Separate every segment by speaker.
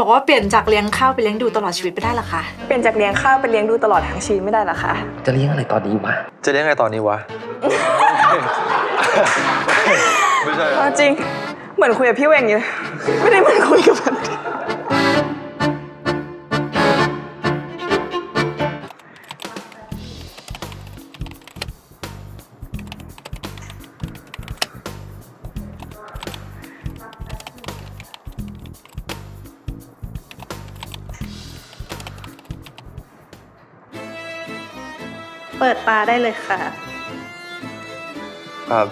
Speaker 1: บอกว่าเปลี่ยนจากเลี้ยงข้าวไปเลี้ยงดูตลอดชีวิตไปได้หรอคะ
Speaker 2: เปลี่ยนจากเลี้ยงข้าวเป็นเลี้ยงดูตลอดทั้งชีวิตไม่ได้หรอคะ
Speaker 3: จะเลี้ยงอะไรตอนนี้วะ
Speaker 4: จะเลี้ยงไงตอนนี้วะ ไม่ใช่
Speaker 2: จริงเหมือนคุยกับพี่เวงอยู่ไม่ได้เหมือนคุยกับมัน
Speaker 5: เปิดตาได้เลยค่ะ
Speaker 4: ครับ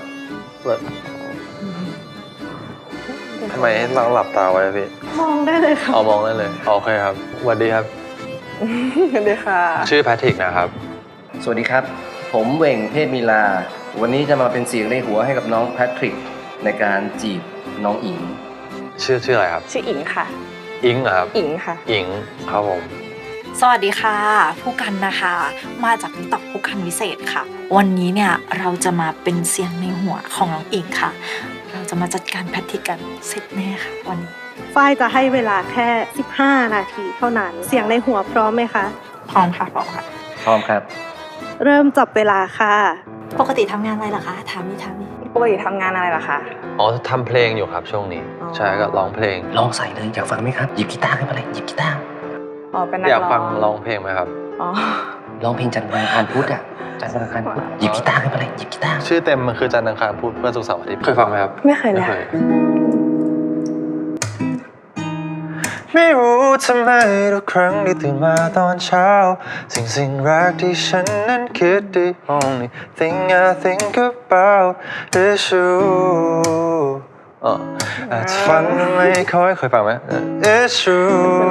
Speaker 4: ทำไมเราหลับตาไว้พี่
Speaker 5: มองได้เลยค่ะ
Speaker 4: เอามองได้เลยโอเคครับสวัสดีครับ
Speaker 2: สวัสดีค่ะ
Speaker 4: ชื่อแพทริกนะครับ
Speaker 3: สวัสดีครับ ผมเหว่งเทพมีลา วันนี้จะมาเป็นเสียงในหัวให้กับน้องแพทริกในการจีบน้องอิง
Speaker 4: ชื่ออะไรครับ
Speaker 2: ชื่ออิงค่ะ
Speaker 4: อิงเหรอครับ
Speaker 2: อิงค่ะ
Speaker 4: อิงครับผม
Speaker 1: สวัสดีค่ะ ผู้กันนะคะ มาจากติ๊กต็อกผู้กันวิเศษค่ะ วันนี้เนี่ยเราจะมาเป็นเสียงในหัวของน้องอิงค่ะ เราจะมาจัดการแพทริกกันเสร็จแน่ค่ะวันนี้
Speaker 5: ฝ้ายจะให้เวลาแค่ 15 นาทีเท่านั้น เสียงในหัวพร้อมไหมคะ
Speaker 1: พร้อมค่ะพร้อมค่ะ
Speaker 3: พร้อมครับ
Speaker 5: เริ่มจับเวลาค่ะ
Speaker 1: ปกติทำงานอะไรเหรอคะถามนี่
Speaker 2: ปกติทำงานอะไรล่ะคะ
Speaker 4: อ๋อทำเพลงอยู่ครับช่วงนี้
Speaker 2: อ๋อ
Speaker 4: ใช่ก็ร้องเพลง
Speaker 3: ลองใส่เลยอยากฟังไหมครับ หยิบกีตาร์ขึ้นมาเลยหยิบกีตาร์
Speaker 2: อ๋อเป็นนัก
Speaker 4: อยาก
Speaker 2: ร้
Speaker 4: ฟั
Speaker 2: อง ง
Speaker 4: ร้องเพลงไหมครับ
Speaker 2: อ๋อ
Speaker 3: ร้องเพลงจันทร์วันอังคารพุธอ่ะจันทร์วันอังคารพุธหยิบกีตาร์ขึ้นมาเลยหยิบกีตาร์
Speaker 4: ชื่อเต็มมันคือจันทร์อังคารพุธพฤหัสศุกร์เสาร์อาทิตย์เคยฟังไหมครับ
Speaker 2: ไม่เคยเลยค่ะ
Speaker 4: ไม่รู้ทำไมทุกครั้งที่ตื่นมาตอนเช้าสิ่งแรกที่ฉันนั้นคิด The only thing I think about is you อาจจะฟังไม่ค่อยเคยฟังไหม It's you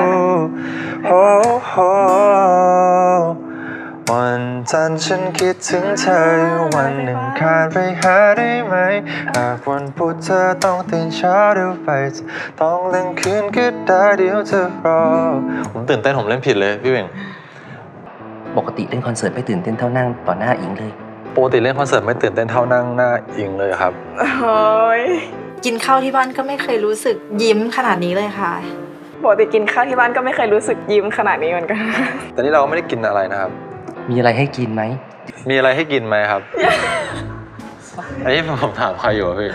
Speaker 4: oh, oh วันจันทร์ฉันคิดถึงเธออยู่วันหนึ่งคานไปหาได้ไหมหากวันพุธเธอต้องตื่นเช้าเดี๋ยวไปต้องเล่นคืนก็ได้เดี๋ยวเธอรอผมตื่นเต้นผมเล่นผิดเลยพี่เวง
Speaker 3: ปกติเล่นคอนเสิร์ตไม่ตื่นเต้นเท่านั่งต่อหน้าอิงเลย
Speaker 4: ปกติเล่นคอนเสิร์ตไม่ตื่นเต้นเท่านั่งหน้าอิงเลยครับ
Speaker 2: โอ้ย
Speaker 1: กินข้าวที่บ้านก็ไม่เคยรู้สึกยิ้มขนาดนี้เลยค่ะ
Speaker 2: ปกติกินข้าวที่บ้านก็ไม่เคยรู้สึกยิ้มขนาดนี้เหมือนกัน
Speaker 4: แต่นี่เราก็ไม่ได้กินอะไรนะครับ
Speaker 3: มีอะไรให้กินไหม
Speaker 4: มีอะไรให้กินไหมครับ อันนี้ผมถามใครอยู่อะพี่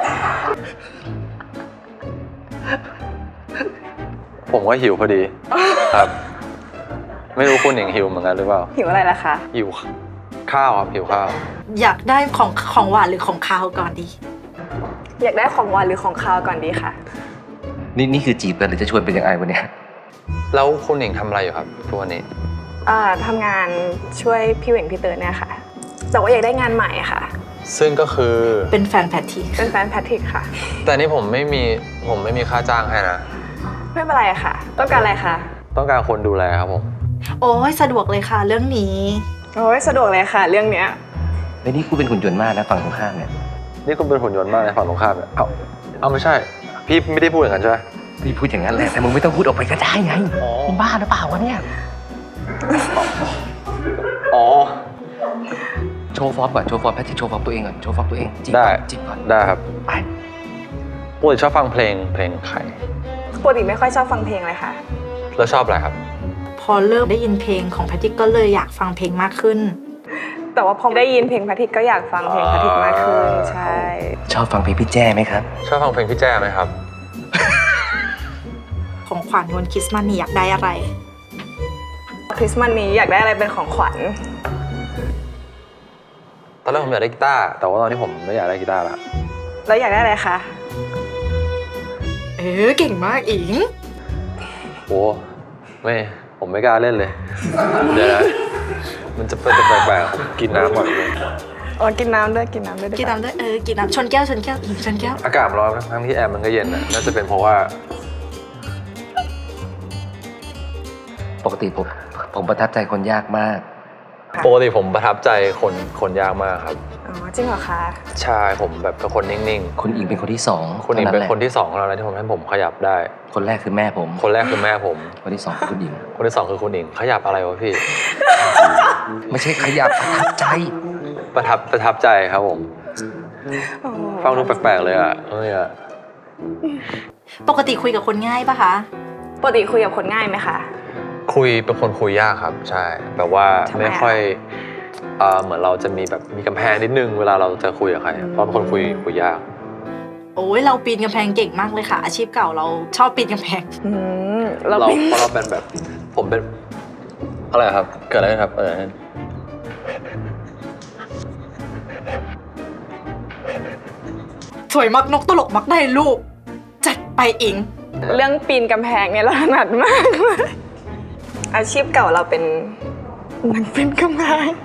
Speaker 4: ผมก็หิวพอดีครับ ไม่รู้คุณหญิงหิวเหมือนกันหรือเปล่า
Speaker 2: หิวอะไรล่ะคะ
Speaker 4: หิวข้าวครับหิวข้าว
Speaker 1: อยากได้ของหวานหรือของคาวก่อนดี
Speaker 2: อยากได้ของหวานหรือของคาวก่อนดีค่ะ
Speaker 3: นี่คือจีบกันหรือจะชวนเป็นยังไงวันเนี้ย
Speaker 4: แล้วคุณหญิงทำอะไรอยู่ครับทุกวันนี้
Speaker 2: ทำงานช่วยพี่เหว่งพี่เตอร์เนี่ยค่ะ แต่ว่าอยากได้งานใหม่ค่ะ
Speaker 4: ซึ่งก็คือ
Speaker 1: เป็นแฟนแพทริก
Speaker 2: เป็นแฟนแพทริกค่ะ
Speaker 4: แต่นี่ผมไม่มีค่าจ้างให้นะ
Speaker 2: ไม่เป็นไรค่ะ ต้องการอะไรคะ
Speaker 4: ต้องการคนดูแลครับผม
Speaker 1: โอ้ยสะดวกเลยค่ะเรื่องนี้
Speaker 2: โอ้ยสะดวกเลยค่ะ เรื่องเนี้ย
Speaker 3: ไอ้นี่กูเป็นหุ่นยนต์มากนะฝั่งตรงข้ามเนี่ย
Speaker 4: นี่คุณเป็นหุ่นยนต์มากในฝั่งตรงข้ามเนี่ยเอาไม่ใช่ พี่ไม่ได้พูดอย่างนั้นใช่ไหม
Speaker 3: พี่พูดอย่างนั้นแหละแต่มึงไม่ต้องพูดออกไปก็ได้ไง
Speaker 4: อ๋อ
Speaker 3: มึงบ้าหรือเปล่าวะเนี่ย
Speaker 4: อ๋อ
Speaker 3: โชว์ฟอร์มก่อนโชว์ฟอร์มแพทริกโชว์ฟอร์มตัวเองก่อนโชว์ฟอร์มตัวเองจีบ
Speaker 4: ได้
Speaker 3: ก่อนจีบก่อน
Speaker 4: ได้ครับ
Speaker 3: ไป
Speaker 4: ปกติชอบฟังเพลงใคร
Speaker 2: ปกติไม่ค่อยชอบฟังเพลงเลยค่ะ
Speaker 4: แล้วชอบอะไรครับ
Speaker 1: พอเริ่มได้ยินเพลงของแพทริกก็เลยอยากฟังเพลงมากขึ้น
Speaker 2: แต่ว่าพอได้ยินเพลงแพทริกก็อยากฟังเพลงแพทริกมากขึ้น ใช่
Speaker 3: ชอบฟังเพลงพี่แจ้ไหมครับ
Speaker 4: ชอบฟังเพลงพี่แจ้ไหมครับ
Speaker 1: ของขวัญวันคริสต์มาสนี่อยากได้อะไร
Speaker 2: คริสต์มาสนี้อยากได้อะไรเป็นของขวัญ
Speaker 4: ตอนแรกผมอยากได้กีตาร์แต่ว่าตอนนี้ผมไม่อยากได้กีตาร์ละ
Speaker 2: แล้วอยากได้อะไรคะ
Speaker 1: เก่งมากอิง
Speaker 4: โอ้ผมไม่กล้าเล่นเลย เดี๋ยวนะมันจะเป็นแปลกๆกินน้ำก่อนเลย
Speaker 2: อ๋อ กินน้ำด้วยดีว่า
Speaker 1: กินน้ำด้วยกินน้ำชนแก้วอิงชนแก้ว
Speaker 4: อากาศร้อนทั้งที่แอร์มันก็เย็นน่าจะเป็นเพราะว่า
Speaker 3: ปกติผมประทับใจคนยากมาก
Speaker 4: ปกติผมประทับใจคนยากมากครับ
Speaker 2: อ๋อ จริงเหรอคะ
Speaker 4: ใช่ผมแบบเป็นคนนิ่ง
Speaker 3: คุณอิงเป็นคนที่สอง
Speaker 4: ๆคนอิงเป็นคนที่สองของเราแล้วที่ผมให้ผมขยับได้
Speaker 3: คนแรกคือแม่ผม
Speaker 4: คนแรกคือแม่ผม
Speaker 3: คนที่สองคือคุณอิง
Speaker 4: คนที่สองคือคุณอิงขยับอะไรวะพี่
Speaker 3: ไม่ใช่ขยับประทับใจ
Speaker 4: ประทับใจครับผม
Speaker 2: อ๋อ
Speaker 4: ฟังดูแปลกๆเลยอ่ะ
Speaker 1: ปกติคุยกับคนง่ายปะคะ
Speaker 2: ปกติคุยกับคนง่ายไหมคะ
Speaker 4: เป็นคนคุยยากครับใช่แบบว่า
Speaker 2: ทำไม
Speaker 4: ไม่ค่อยเหมือนเราจะมีแบบมีกำแพงนิดนึงเวลาเราจะคุยกับใครเพราะเป็นคนคุยยาก
Speaker 1: โอ้ยเราปีนกำแพงเก่งมากเลยค่ะ อาชีพเก่าเราชอบปีนกำแพง
Speaker 2: เรา
Speaker 4: เรา
Speaker 2: เป็น
Speaker 4: เพราะเราเป็นแบบผมเป็นอะไรครับเกิดอะไรขึ้นครับ
Speaker 1: สวยมักนกตลกมักได้ลูก จัดไปอิง
Speaker 2: เรื่องปีนกำแพงเนี่ยเราถนัดมาก อาชีพเก่าเราเป็นนักปีนกำแพง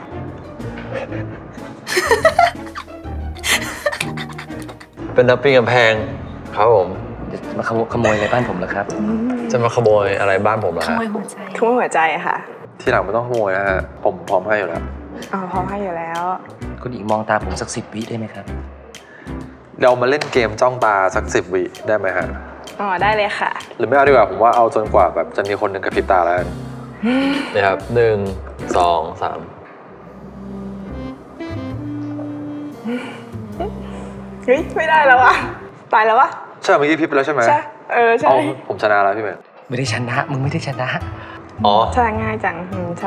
Speaker 4: เป็นนักปีนกำแพงครับผม
Speaker 3: จะมาขโมยอะไรบ้านผมเหรอครับ
Speaker 4: จะมาขโมยอะไรบ้านผมเหรอ
Speaker 1: ข
Speaker 4: ฮะ
Speaker 1: โมยหัวใจ
Speaker 2: ทุ่มหัวใจค่ะ
Speaker 4: ที่หลังไม่ต้องขโมยนะฮะผมพร้อมให้อยู่แล้ว
Speaker 2: อ๋อพร้อมให้อยู่แล้ว
Speaker 3: คุณอิงมองตาผมสัก10 วิได้ไหมครับ
Speaker 4: เรามาเล่นเกมจ้องตาสัก10 วิได้ไหมฮะ
Speaker 2: อ๋อได้เลยค่ะ
Speaker 4: หรือไม่เอาดีกว่าผมว่าเอาจนกว่าแบบจะมีคนหนึ่งกระพริบตาแล้วกันนะครับ1 2 3
Speaker 2: เฮ้ยไม่ได้แล้ววะตายแล้ววะ
Speaker 4: ใช่เมื่อกี้พริบไปแล้วใช่ไหม
Speaker 2: ใช่ใช่
Speaker 4: เอาผมชนะแล้วพี่เมย์
Speaker 3: ไม่ได้ชนะ มึงไม่ได้ชนะ
Speaker 4: อ๋อ
Speaker 2: ใช่ง่ายจังใช่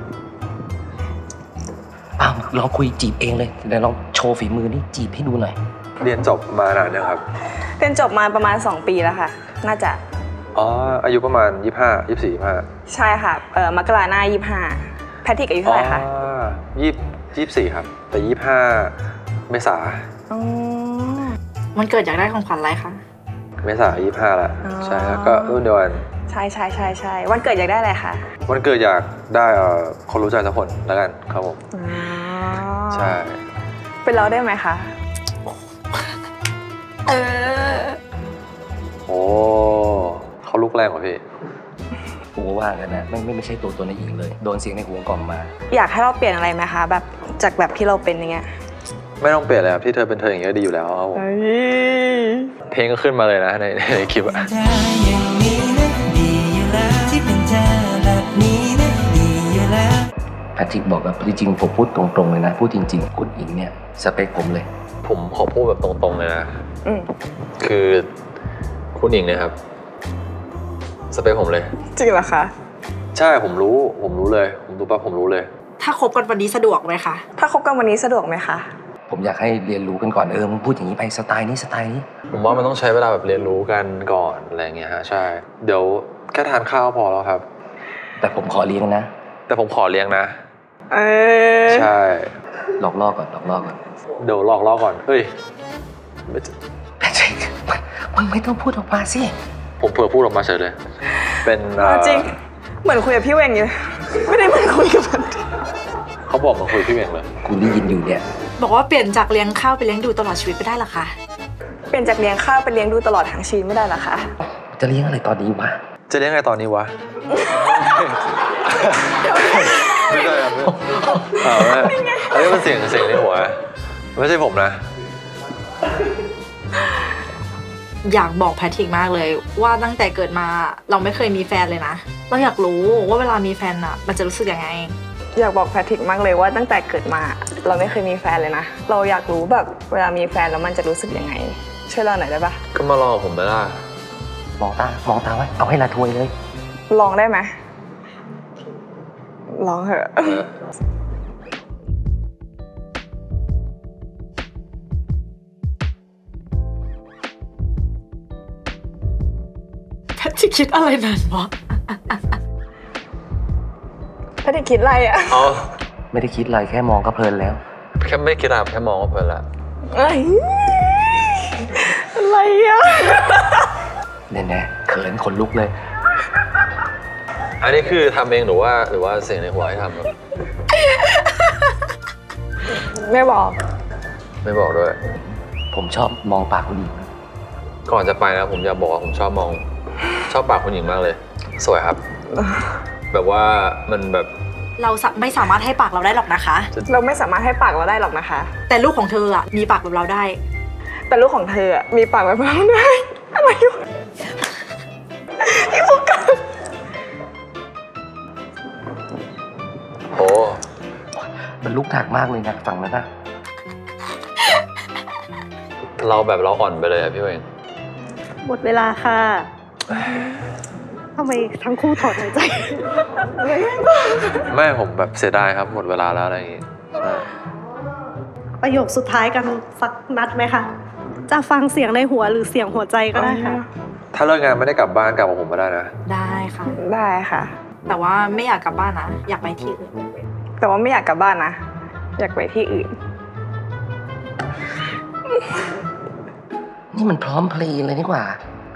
Speaker 3: อ้าวลองคุยจีบเองเลยเดี๋ยวลองโชว์ฝีมือนี่จีบให้ดูหน่อย
Speaker 4: เรียนจบมานานเนี่ยงครับ
Speaker 2: เรียนจบมาประมาณ2 ปีแล้วค่ะ น่าจะ
Speaker 4: อ๋ออายุประมาณ25 24 25
Speaker 2: ใช่ค่ะมกราหน้า25แพทริกอายุเท่าไหร่คะ
Speaker 4: 24ครับแต่25เมษา
Speaker 2: อ๋อ
Speaker 1: มันเกิดอยากได้ของขวัญอะไรคะ
Speaker 4: เมษา25แล้ว
Speaker 2: อ๋อ
Speaker 4: ใช่ครับก็รุ่นเดียวกัน
Speaker 2: ใช่วันเกิดอยากได้อะไรคะ
Speaker 4: วันเกิดอยากได้คนรู้ใจสักคนแล้วกันครับผม
Speaker 2: อ๋อ
Speaker 4: ใช่
Speaker 2: เป็นเราได้ไหมคะ
Speaker 4: โอ้เขาลุกแรงกว่าพี่
Speaker 3: กูว่ากันนะไม่ใช่ตัวในอิงเลย โดนเสียงในหัวกล่อมมา
Speaker 2: อยากให้เราเปลี่ยนอะไรไหมคะแบบจากแบบที่เราเป็นอย่างเงี้ย
Speaker 4: ไม่ต้องเปลี่ยนเลยครับที่เธอเป็นเธออย่างเงี้ยดีอยู่แล้วครับผมเพลงก็ขึ้นมาเลยนะในคลิปอะ
Speaker 6: เธออย่างนี้นะดีอยู่แล้วที่เป็นเธอแบบนี้นะดีอยู่แล้ว
Speaker 3: แพทริกบอกแบบจริงๆผมพูดตรงๆเลยนะ พูดจริงๆคุณอิงเนี่ยสเปคผมเลย
Speaker 4: ผมขอพูดแบบตรงๆเลยนะ
Speaker 2: อืม
Speaker 4: คือคุณหญิงเนี่ยครับสเปคผมเลย
Speaker 2: จริงเหรอคะ
Speaker 4: ใช่ผมรู้เลยผมดูปั๊บผมรู้เลย
Speaker 1: ถ้าคบกันวันนี้สะดวกไหมคะ
Speaker 2: ถ้าคบกันวันนี้สะดวกไหมคะ
Speaker 3: ผมอยากให้เรียนรู้กันก่อนมึงพูดอย่างนี้ไปสไตล์นี้สไตล์นี้
Speaker 4: ผมว่ามันต้องใช้เวลาแบบเรียนรู้กันก่อนอะไรเงี้ยฮะใช่เดี๋ยวแค่ทานข้าวพอแล้วครับ
Speaker 3: แต่ผมขอเลี้ยงนะ
Speaker 4: แต่ผมขอเลี้ยงนะ ใช่
Speaker 3: หลอกล่อก่อน
Speaker 4: เดี๋ยวหลอกล่อก่อนเฮ้ย
Speaker 3: แพทริกมึงไม่ต้องพูดออกมาสิ
Speaker 4: ผมเผื่อพูดออกมาเฉยเลย เป็น
Speaker 2: จริง เหมือนคุยกับพี่เวงอยู่ ไม่ได้เหมือนคุยกับมัน
Speaker 4: เขาบอกมาคุยพี่เองเลย
Speaker 3: กูได้ยินอยู่เนี่ย
Speaker 1: บอกว่าเปลี่ยนจากเลี้ยงข้าวไปเลี้ยงดูตลอดชีวิตไปได้เหรอคะ
Speaker 2: เปลี่ยนจากเลี้ยงข้าวเป็นเลี้ยงดูตลอดทั้งชีวิตไม่ได้เหรอคะ
Speaker 3: จะเลี้ยงอะไรตอนนี้วะ
Speaker 4: จะเลี้ยงไงตอนนี้วะ ไม่ใช่ครับไม่อันนี้มันเสียงในหัวไม่ใช่ผมนะ
Speaker 1: อยากบอกแพทริกมากเลยว่าตั้งแต่เกิดมาเราไม่เคยมีแฟนเลยนะ เราอยากรู้ว่าเวลามีแฟนอะมันจะรู้สึกยังไง
Speaker 2: อยากบอกแพทริกมากเลยว่าตั้งแต่เกิดมา เราไม่เคยมีแฟนเลยนะ เราอยากรู้แบบเวลามีแฟนแล้วมันจะรู้สึกยังไง ช่วยเราหน่อยได้ปะ
Speaker 4: ก็มารอผมไหมล่ะ
Speaker 3: มองตาไว้ เอาให้ละทวยเลย
Speaker 2: ลองได้ไหมลองเถอะ
Speaker 1: แพทริกคิดอะไรนานวะ
Speaker 2: แพทริกคิดอะไรอ่ะ
Speaker 4: อ๋อ
Speaker 3: ไม่ได้คิดอะไรแค่มองก็เพลินแล้ว
Speaker 4: แค่ไม่คิดอะไรแค่มองก็เพลินละ
Speaker 2: อะไรอ่ะ
Speaker 3: แน่ๆเขินขนลุกเลย
Speaker 4: อันนี้คือทำเองหรือว่าเสียงในหัวให้ทำครับ
Speaker 2: ไม่บอก
Speaker 4: ไม่บอกด้วย
Speaker 3: ผมชอบมองปากคุณอิง
Speaker 4: ก่อนจะไปนะผมอยากบอกว่าผมชอบปากคุณหญิงมากเลย สวยครับ แบบว่ามันแบบ
Speaker 1: เราไม่สามารถให้ปากเราได้หรอกนะคะ
Speaker 2: เราไม่สามารถให้ปากเราได้หรอกนะคะ
Speaker 1: แต่ลูกของเธออะมีปากแบบเราได้
Speaker 2: แต่ลูกของเธออะมีปากแบบเราได้ อะไรวะที่พูดกัน
Speaker 4: โอ้
Speaker 3: มันลุกหนักมากเลยนะฝั่งนั้นนะ
Speaker 4: เราอ่อนไปเลยอะพี่เวง
Speaker 5: หมดเวลาค่ะทำไมทั้งคู่ถอนหายใจ
Speaker 4: ไม่ผมแบบเสียดายครับหมดเวลาแล้วอะไรอย่างงี้ใช่
Speaker 5: ประโยคสุดท้ายกันสักนัดไหมคะ จะฟังเสียงในหัวหรือเสียงหัวใจก็ได้ค่ะ
Speaker 4: ถ้าเลิกงานไม่ได้กลับบ้านกลับกับผมก็ได้นะ
Speaker 1: ได้ค่ะ
Speaker 2: ได้ค่ะ
Speaker 1: แต่ว่าไม่อยากกลับบ้านนะ อยากไปที่อื่น
Speaker 2: แต่ว่าไม่อยากกลับบ้านนะ อยากไปที่อื่น
Speaker 3: นี่มันพร้อมเพลย์เลยนี่กว่า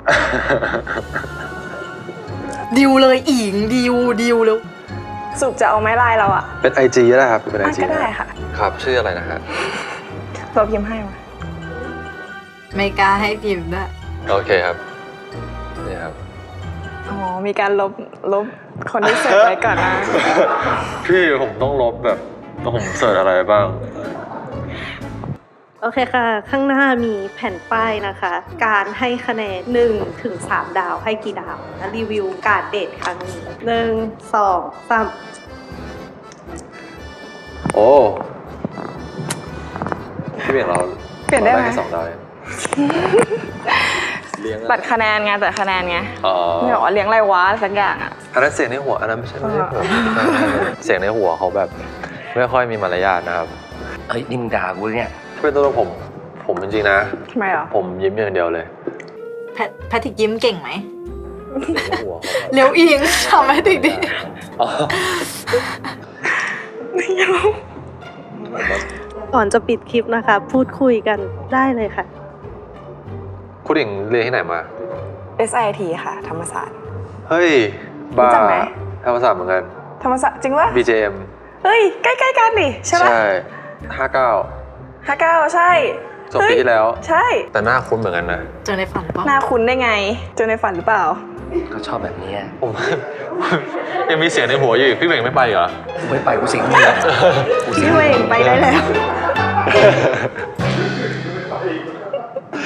Speaker 1: ดิวเลยอิงดิวแล้ว
Speaker 2: สุกจะเอาไม้ลายเราอะ
Speaker 4: เป็น IG ก็ได้ครับเป็น IG
Speaker 2: ก็ได้ค่ะ
Speaker 4: ครับชื่ออะไรนะฮะ
Speaker 2: เราพิมพ์ให้มา
Speaker 1: ไม่กล้าให้พิมพ์ด้วย
Speaker 4: โอเคครับนี่ครับ
Speaker 2: อ๋อ มีการลบคนที่เสิร์ชไว้ก่อนนะ
Speaker 4: พี่ผมต้องลบแบบผมเสิร์ชอะไรบ้าง
Speaker 5: โอเคค่ะ ข้างหน้ามีแผ่นป้ายนะคะ การให้คะแนน1 ถึง 3 ดาวให้กี่ดาวและรีวิวการเดทครั้งนี้1 2 3
Speaker 4: โอ้พี่เบี่ยงเรา
Speaker 2: เปลี่ยนได้ไหม
Speaker 4: ราแค่2 ดาวเองเลี้ยง
Speaker 2: ตัดคะแนนไงตัดคะแนนไง
Speaker 4: อ๋อ
Speaker 2: ไม่บอกว่าเลี้ยงอะไรวะสักอย่างอะ
Speaker 4: อันนั้นเสียงในหัวอันนั้นไม่ใช่หัวเสียงในหัวเขาแบบไม่ค่อยมีมารยาทนะครับ
Speaker 3: เฮ้ย นี่มึงด่ากูเนี่ย
Speaker 4: เป็นตัวผมจริงๆนะ
Speaker 2: ทำไมเหรอ
Speaker 4: ผมยิ้มอย่างเดียวเลย
Speaker 1: แพทริกยิ้มเก่งไหม
Speaker 4: เสียงในหัวเขาแบบ
Speaker 1: เร็วอิงทำให้ถึงดิ
Speaker 4: อ๋อ
Speaker 5: ก่อนจะปิดคลิปนะคะ พูดคุยกันได้เลยค่ะ
Speaker 4: คุณหญิงเรียนที่ไหนมา
Speaker 2: SIT ค่ะ ธรรมศาสตร์
Speaker 4: เฮ้ย
Speaker 2: รู้
Speaker 4: บ้า
Speaker 2: จักไหม
Speaker 4: ธรรมศาสตร์เหมือนกัน
Speaker 2: ธรรมศาสตร์จริงวะ
Speaker 4: BJM
Speaker 2: เฮ้ย ใกล้ๆกันดิใช่ปะ
Speaker 4: ใช่59
Speaker 2: 59ใช่
Speaker 4: จบปีที่แล้ว
Speaker 2: ใช่
Speaker 4: แต่หน้าคุ้นเหมือนกันนะ
Speaker 1: เจอในฝันปะ
Speaker 2: หน้าคุ้นได้ไง เจอในฝันหรือเปล่า
Speaker 3: เขาชอบแบบนี้อะ
Speaker 4: ผม ยังมีเสียงในหัวอยู่อีกพี่เบ่งไม่ไปเหรอ
Speaker 3: กูไม่ไปกูสิงมึงเลยกูสิง
Speaker 5: พี่เวงไปได้แล้ว